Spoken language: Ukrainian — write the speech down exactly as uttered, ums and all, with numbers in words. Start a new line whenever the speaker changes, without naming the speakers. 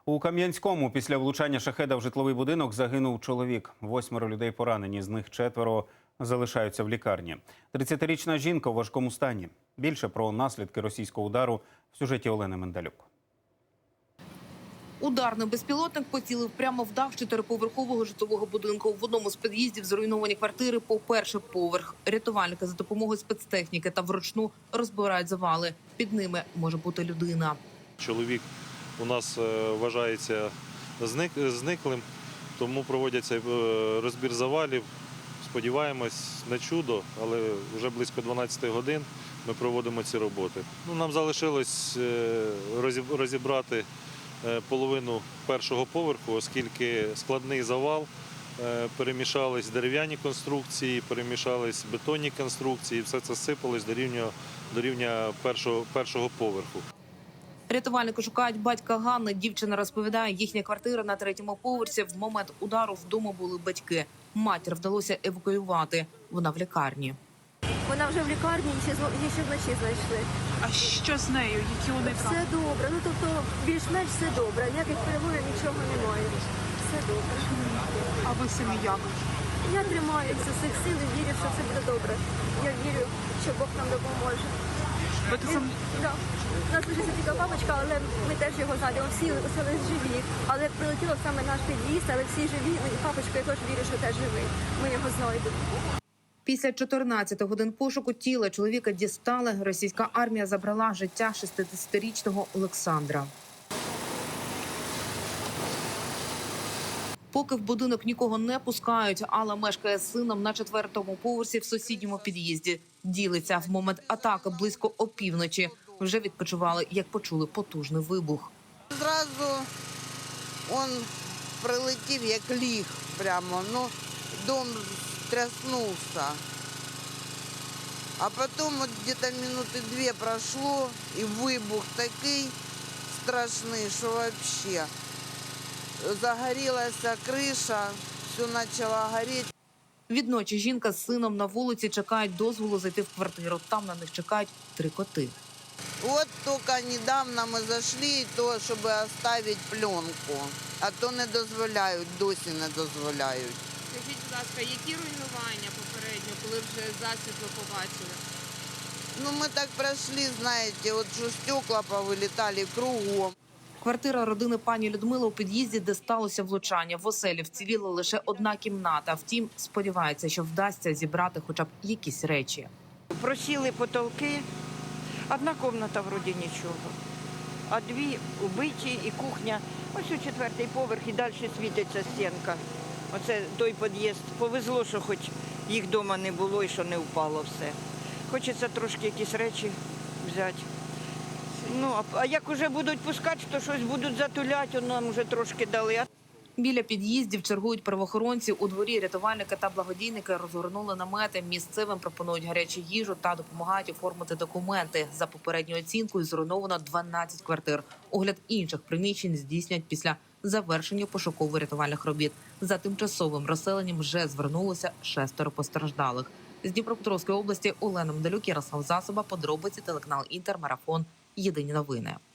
У Кам'янському після влучання шахеда в житловий будинок загинув чоловік. Восьмеро людей поранені, з них четверо залишаються в лікарні. тридцятирічна жінка у важкому стані. Більше про наслідки російського удару в сюжеті Олени Менделюк.
Ударний безпілотник поцілив прямо в дах чотириповерхового житлового будинку. В одному з під'їздів зруйновані квартири по перший поверх. Рятувальники за допомогою спецтехніки та вручну розбирають завали. Під ними може бути людина.
Чоловік у нас вважається зник, зниклим, тому проводяться розбір завалів. Сподіваємось на чудо, але вже близько дванадцяти годин ми проводимо ці роботи. Ну, нам залишилось розібрати половину першого поверху, оскільки складний завал, перемішались дерев'яні конструкції, перемішались бетонні конструкції, все це сипалось до рівня, до рівня першого, першого поверху.
Рятувальники шукають батька Ганни. Дівчина розповідає, їхня квартира на третьому поверсі. В момент удару вдома були батьки. Матір вдалося евакуювати. Вона в лікарні.
Вона вже в лікарні, її ще вночі знайшли.
А що з нею? Які вони там?
Все добре. Ну, тобто, більш-менш все добре. Ніяких перебоїв, нічого немає. Все добре.
А ви самі як?
Я тримаюся з цих сил і вірю, що все буде добре. Я вірю, що Бог нам допоможе.
Ви тут сам...
Да. У нас лишиться тільки папочка, але ми теж його знайдемо. Всі лишились живі. Але прилетіло саме наш під'їзд, але всі живі. І папочка, я теж вірю, що теж живий. Ми його знайдемо.
Після чотирнадцяти годин пошуку тіла чоловіка дістали. Російська армія забрала життя шістдесятирічного Олександра. Поки в будинок нікого не пускають, Алла мешкає з сином на четвертому поверсі в сусідньому під'їзді. Ділиться, в момент атаки близько опівночі. Вже відпочивали, як почули потужний вибух.
Зразу він прилетів, як ліг прямо. Ну, дом тряснувся. А потім от десь минути дві пройшло, і вибух такий страшний, що взагалі загорілася криша, все почало горіти.
Відночі жінка з сином на вулиці чекають дозволу зайти в квартиру. Там на них чекають три коти.
От тільки недавно ми зайшли, то, щоб залишити пленку, а то не дозволяють, досі не дозволяють.
Скажіть, будь ласка, які руйнування попередньо, коли вже засвітло побачили?
Ну, ми так пройшли, знаєте, от що стекла повилітали кругом.
Квартира родини пані Людмили у під'їзді, де сталося влучання. В оселі вціліла лише одна кімната. Втім, сподівається, що вдасться зібрати хоча б якісь речі.
Просіли потолки. Одна кімната вроді нічого, а дві убиті і кухня. Ось у четвертий поверх і далі світиться стінка. Оце той під'їзд. Повезло, що хоч їх вдома не було і що не впало все. Хочеться трошки якісь речі взяти. Ну, а як вже будуть пускати, то щось будуть затуляти, нам вже трошки дали.
Біля під'їздів чергують правоохоронці. У дворі рятувальники та благодійники розгорнули намети. Місцевим пропонують гарячу їжу та допомагають оформити документи. За попередньою оцінкою зруйновано дванадцять квартир. Огляд інших приміщень здійснять після завершення пошуково-рятувальних робіт. За тимчасовим розселенням вже звернулося шестеро постраждалих. З Дніпропетровської області Олена Менделюк, Ярослав Засоба, подробиці, телеканал Інтер, Марафон. Єдині новини.